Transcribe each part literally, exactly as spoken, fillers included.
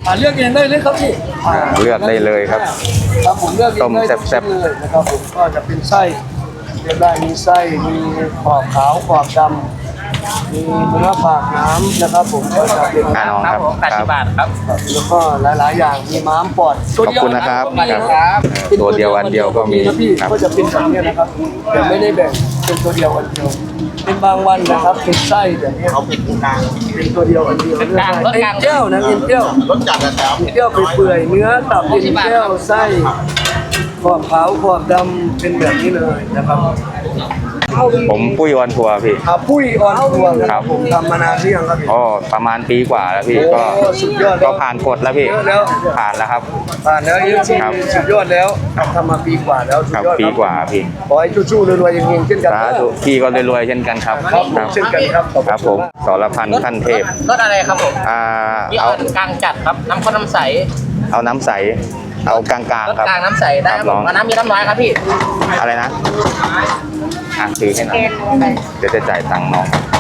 อ่าเลือกเองได้เลยครับพี่เลือกได้เลยครับครับผมเลือกเองได้แซ่บๆเลยนะครับผมก็จะเป็นไส้เลือกได้มีไส้มีขอบขาวขอบดำมีเนื้อปากน้ำนะครับผมก็จะเป็นอ่าน้องครับแปดสิบบาทครับแล้วก็หลายๆอย่างมีม้ามปอดขอบคุณนะครับครับตัวเดียววันเดียวก็มีนะพี่ครับก็จะเป็นแบบนี้นะครับแต่ไม่ได้แบ่งเป็นตัวเดียววันเดียวเป็นบางวันนะครับเป็นไส้แบบนี้เขาเป็นกลางเป็นตัวเดียววันเดียวเลือกได้เอ็นเจ้านะเอ็นเจ้ารสจัดนะครับเอ็นเจ้าเปื่อยๆเนื้อตับเอ็นเจ้าไส้ขอบขาวขอบดำเป็นแบบนี้เลยนะครับผมปุ้ยออนทัวร์พี่อาปุ้ยออนทัวร์นะคครัรับบ ผมทำมานานหรือยังครับพี่อ๋อประมาณปีกว่าแล้วพี่ก็โอ้สุดยอดก็ผ่านกฎแล้วพี่เยอะแล้วผ่านแล้วครับผ่านแล้วยี่สิบครับสุดยอดแล้วทำมาปีกว่าแล้วสุคดรับยอดปีครับกว่าพี่ขอให้ชู้ๆรวยๆอย่างเงี้ยเช่นกันสานะธุพี่ก็รวยๆเช่นกันครับครับผมเช่นกันครับขอบคุณครับผมมากสรพันธ์ขั้นเทพรสอะไรครับผมอ่านี่เอาเอากลางจัดครับ น้ำข้นน้ำใสเอาน้ำใส เอากลางรสๆครับกลางน้ำใสได้ครับคผรับมน้องเอาน้ำมีน้ำน้อยครับพี่อะไรนะอ่ะถือให้หน่อยเดี๋ยวจะจ่ายตังค์น้อง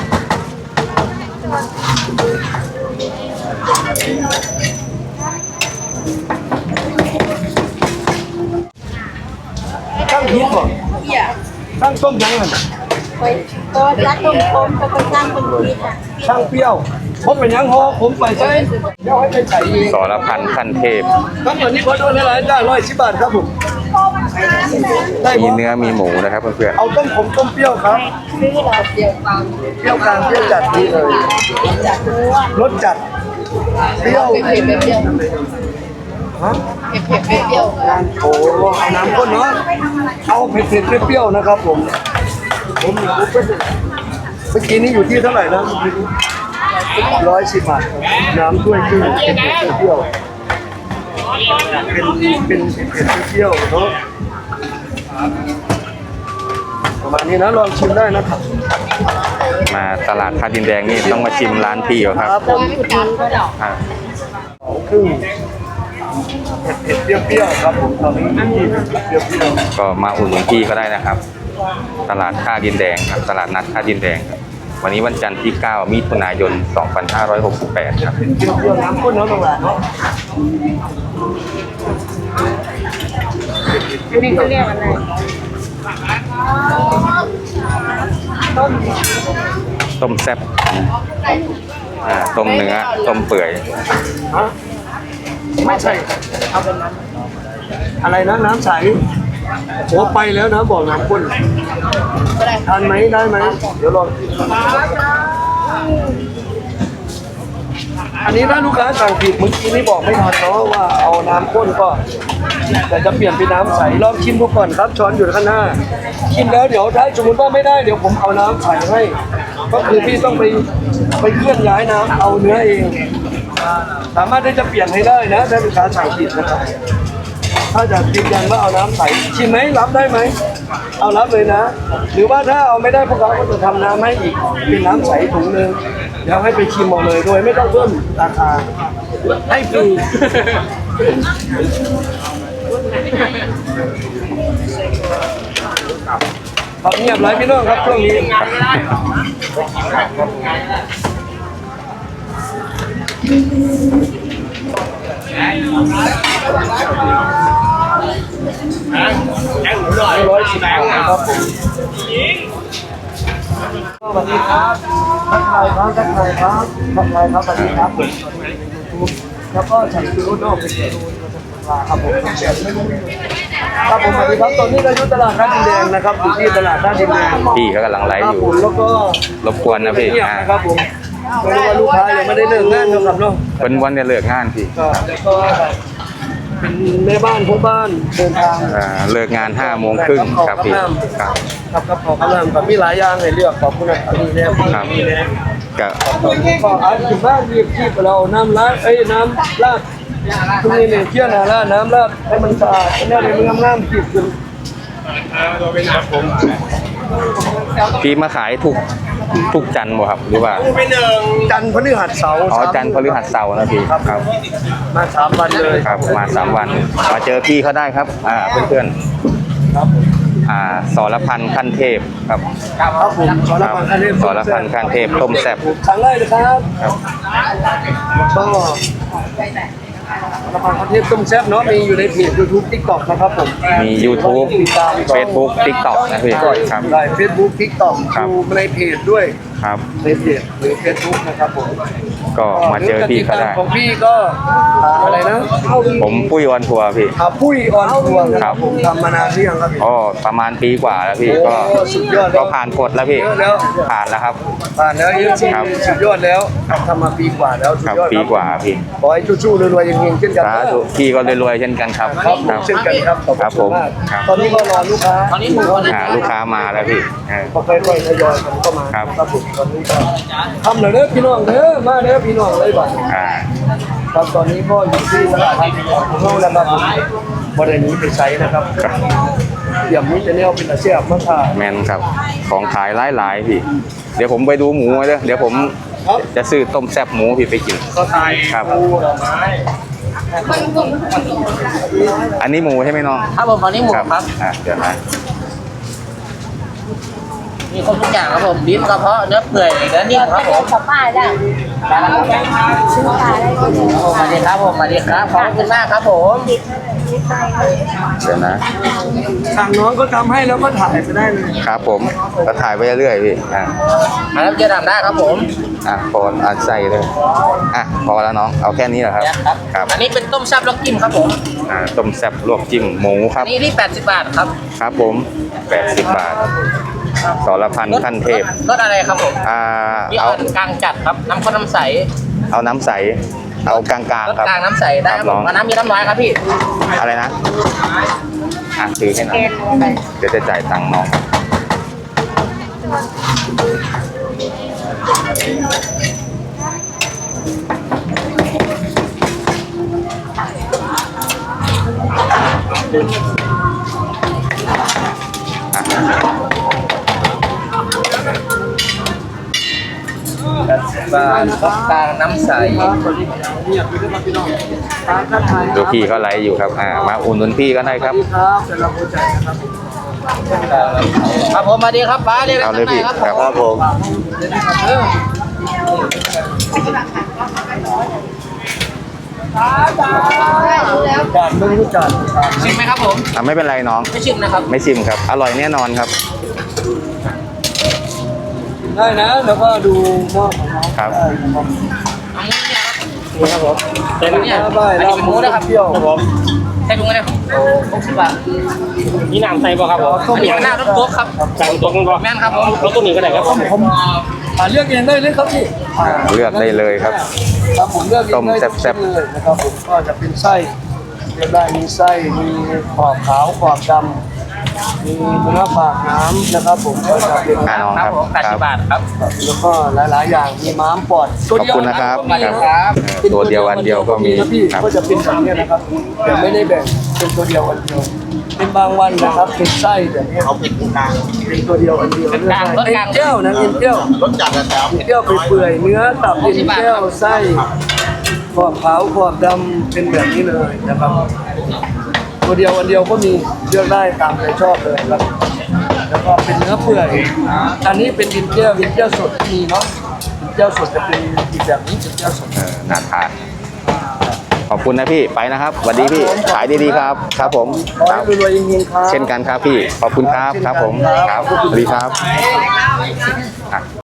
ตั้งฮิตก่อนตั้งต้มยังไงไปก็รักตรงคมก็ไปสร้างคนดีค่ะช่างเปรี้ยวผมเป็นยังฮอผมไปใช้เดี๋ยวให้ไปใส่เองสรพันธ์ขั้นเทพทั้งหมดนี้ขอโทษหลายๆจ้าร้อยสิบบาทครับผมได้มีหมดเนื้อมีหมูนะครับเพื่อนเอาต้มผมต้มเปรี้ยวครับซื้อเราเดียวกันเปรี้ยวกลางเปรี้ยวจัดดีเลยจากเนื้อรสจัดเปรี้ยวเผ็ดเปรี้ยวฮะเผ็ดเปรี้ยวโอ้เอาน้ำข้นเนาะเอาเผ็ดๆเปรี้ยวๆนะครับผมผมเมื่อกี้นี้อยู่ที่เท่าไหร่นะร้อยสิบบาทน้ำถ้วยครึ่งเผ็ดๆเปรี้ยวเป็นเป็นเผ็ดๆเปรี้ยวเนาะประมาณนี้นะลองชิมได้นะครับๆมาตลาดท่าดินแดงนี่ต้องมาชิมร้านพี่เขาครับครับผมๆกันก็ดอกอ่ะครึ่งเผ็ดๆเปรี้ยวๆครับผมตอนนี้ที่เปรี้ยวๆก็มาอุดหนุนพี่ก็ได้นะครับ ตลาดท่าดินแดงครับตลาดนัดท่าดินแดงครับวันนี้วันจันทร์ที่เก้ามิถุนายนสองพันห้าร้อยหกสิบแปดครับเปรี้ยวๆน้ำข้นเนาะตรงนั้นเนาะอันนี้เขาเรียกอะไรต้มแซ่บอ่าต้มเนื้อต้มเปื่อยฮะไม่ใช่เอาเป็นน้ำอะไรนะน้ำใสโอ้ไปแล้วนะบอกน้ำข้นทานไหมได้ไหมเดี๋ยวลองอันนี้ถ้าลูกค้าสั่งผิดเมื่อกี้นี่บอกไม่ทันเนาะว่าเอาน้ำข้นก็แต่จะเปลี่ยนเป็นน้ำใสลองชิมดูก่อนครับช้อนอยู่ข้างหน้าชิมแล้วเดี๋ยวถ้าสมมติว่าไม่ได้เดี๋ยวผมเอาน้ำใสให้ก็คือพี่ต้องไปไปเคลื่อนย้ายน้ำเอาเนื้อเอง สามารถที่จะเปลี่ยนให้ได้นะถ้าลูกค้าสั่งผิดนะครับถ้าจะยืนยันว่าเอาน้ำใสชิมไหมรับได้ไหมเอารับเลยนะ หรือว่าถ้าเอาไม่ได้พวกเราก็จะทำน้ำให้อีกเป็นน้ำใสถุงหนึ่งเดี๋ยวให้ไปชิมเอาเลยโดยไม่ต้องเพิ่มราคาให้ฟรีขอเงียบไรพี่น้องครับช่วงนี้ ร้อยสิบบาทครับผมสวัสดีครับทักทายครับทักทายครับทักทายครับสวัสดีครับผมแล้วก็ฉันคือรุ่นน้องเป็นรุ่นครับผมครับผมสวัสดีครับตอนนี้เราอยู่ตลาดท่าดินแดงนะครับอยู่ที่ตลาดท่าดินแดงพี่เขากำลังไลคฟ์รับอยู่ผมแล้วก็รบกวนนะพี่เงียบอ่านะครับผมไม่รู้ว่าลูกค้ายังไม่ได้เลิกงานนะครับเนาะเป็นวันจะเลิกงานพี่ก็แล้วก็เป็นแม่บ้านพวกบ้านเดินทางอ่าเลิกงานห้าโมงครึ่งครับพี่ครับครับครับขอบคุณครับมีหลายอย่างให้เลือกขอบคุณนะครับนี่แน่ครับนี่แน่ก็ก็อาจจะบ้านเรียกที่เราน้ำลาดเอ้ยน้ำลาดตรงนี้เนี่ยเที่ยวนาลาดน้ำลาดให้มันสะอาดแน่เลยมันงามๆขีดขึ้นพี่มาขายทุกทุกจันทร์บ่ครับหรือว่าจันทร์พฤหัสเสาร์อ๋อจันทร์พฤหัสเสาร์นะพี่ครับครับมาสามวันเลยครับมาสามวันมาเจอพี่เขาได้ครับอ่าเพื่อนครับๆอ่าสรพันธ์ขั้นเทพครับครับผมสรพันธ์คันเทพสรพันธ์คันเทพต้มแซ่บครั้งแรกนะครับครับก็สารพัดคอนเทนต์ต้มแซ่บเนาะมีอยู่ในเพจ YouTube TikTok นะครับผมมี YouTube Facebook TikTok นะพี่ครับได้ Facebook TikTok ครับดูในเพจด้วยครับในเพจหรือ Facebook นะครับผมก็มาเจอพี่ก็ได้ของพี่ก็อ่าอะไรนะผมปุ้ยออนทัวร์พี่อ่าปุ้ยออนทัวร์นะคครัรับบ ผมทำมานานหรือยังครับพี่อ๋อประมาณปีกว่าแล้วพี่ก็โอ้สุดยอดแล้วก็ผ่านกฎแล้วพี่เยอะแล้วผ่านแล้วครับผ่านแล้วเยอะจริงครับสุดยอดแล้วทำมาปีกว่าแล้วสุคดรับยอดปีครับกว่าพี่ขอให้ชู้ๆรวยๆอย่างเงี้ยเช่นกันสาธุพี่ก็รวยๆเช่นกันครับครับผมเช่นกันครับขอบครับคุผณมมากครับตอนนี้ก็รอลูกค้าตอนนี้หมูอ่าลูกค้ามาแล้วพี่เออก็ค่อยๆทยอยกันเข้ามาครับครับผมตอนนี้ก็ทำเลยเด้อพี่น้องเด้อมาเด้อพี่น้องเลยบัดอ่าครับตอนนี้ก็อยู่ที่ตลาดไทยของเราแล้วครับผมบริเวณนี้ไปใช้นะครับอย่างนี้จะเนี่ยเป็นอาเซียนมากค่ะแมนครับของขายหลายๆพี่ เดี๋ยวผมไปดูหมูเด้อเดี๋ยวผมครับจะซื้อต้มแซ่บหมูพี่ไปกินก็ทายครับปูดอกไม้อันนี้หมูใช่ไหมน้องครับผมตอนนี้หมูครับอ่ะเดี๋ยวนะมีครบทุกอย่างครับผมลิ้นกระเพาะเนื้อเปื่อยเนื้อนิ่มครับผมกับป้ายได้ซื้อปลาได้ก็ดีสวัสดีครับผมสวัสดีครับขอบคุณมากครับผมเดี๋ยวนะสั่งน้องก็ทำให้แล้วก็ถ่ายไปได้เลยครับผมก็ถ่ายไปเรื่อยๆพี่อ่ะมาแล้วจะทำได้ครับผมอ่ะพออ่ะใส่เลยอ่ะพอแล้วน้องเอาแค่นี้เหรอครับครับครับอันนี้เป็นต้มแซ่บล็อกกิ้มครับผมอ่าต้มแซ่บลวกจิ้มหมูคอัรันบนี้ที่แปดสิบบาทครับครับผมแปดสิบบาทสรพันขั้นเทพรสอะไรครับผมอ่ามีเอาอ่อนกลางจัดครับน้ำข้นน้ำใสเอาน้ำใสเอากลางรสๆครับกลางน้ำใสได้ครับลผองมเอาน้ำมีน้ำน้อยครับพี่อะไรนะอ่ะถือให้หน่อยเดี๋ยวจะจ่ายตังค์น้องอ่ะบาทรสกลางน้ำใสครับสวัสดีครับเนี่ยคือที่มาพี่น้องร้านทักทายดูพี่เขาไลฟ์อยู่ครับอ่ามาอุ่นนุนพี่ก็ได้ครับสวัสดีครับเดี๋ยวเราโพสต์ใจนะครับครับผมมาดีครับป้าเรียกเอาข้างเลยในพี่ครับครับผมผมเดี๋ยวนะครับเด้อแล้วจานไม่รู้จานชิมไหมครับผมอ่ะไม่เป็นไรน้องไม่ชิมนะครับไม่ชิมครับ อร่อยแน่นอนครับได้นะแล้วก็ดูหม้อของน้องครับได้นะครับอันนี้เนี่ยครับนี่ครับผมเป็นเนี่ยได้อันลานี้บเป็นหหมูมูนะครับเปรี้ยวครับผมใส่ถุงอะไรครับหกสิบบาทนี่น้ำใส่บ่ครับผมอันนี้หน้ารถตัวครับใส่ตัวกันบ่แม่นครับผมรถตัวนี้ก็ได้ครับผมผมอ่าเลือกเองได้เลยครับพี่อ่าเลือกได้เลยครับครับผมเลือกเองต้มได้แซ่บๆเลยนะครับผมก็จะเป็นไส้เลือกได้มีไส้มีขอบขาวขอบดำมีเนื้อปากน้ำนะครับผมก็จะเป็นอ่าน้องคครัรับบ ผมแปดคสิรับบบาทครับแล้วก็หลาย ๆ อย่างมีม้ามปอดขอบคุณนะครับตัวเดียวครับตัวเดียวอันเดียวก็มีนะพี่ครับก็จะเป็นแบบนี้นะครับแต่ไม่ได้แบ่งเป็นตัวเดียวอันเดียวเป็นบางวันนะครับเป็นไส้แบบนี้เขาเป็นกลางเป็นตัวเดียวอันเดียวเป็นกลางรสกลางเอ็นเจ้านะเอ็นเจ้ารถจักรนะครับเอ็นเจ้าเปื่อยๆเนื้อตับเอ็นเจ้าไส้ขอบขาวขอบดำเป็นแบบนี้เลยนะครับ ตัวเดียวอันเดียวก็มีเลือกได้ตามใจชอบเลยครับแล้วก็เป็นเนื้อเปื่อยอันนี้เป็นอินเจียวอินเจียวสดมีเนาะอินเจียวสดจะเป็นอีกแบบนี้อินเจียวสดเออน่าทานขอบคุณนะพี่ไปนะครับสวัสดีพี่ขายดีๆครับ ครับผมขอครัให้บรวยๆเฮงๆครับเช่นกันครับพี่ขอบคุณครับครับผมครับสวัสดีครับอ่ะ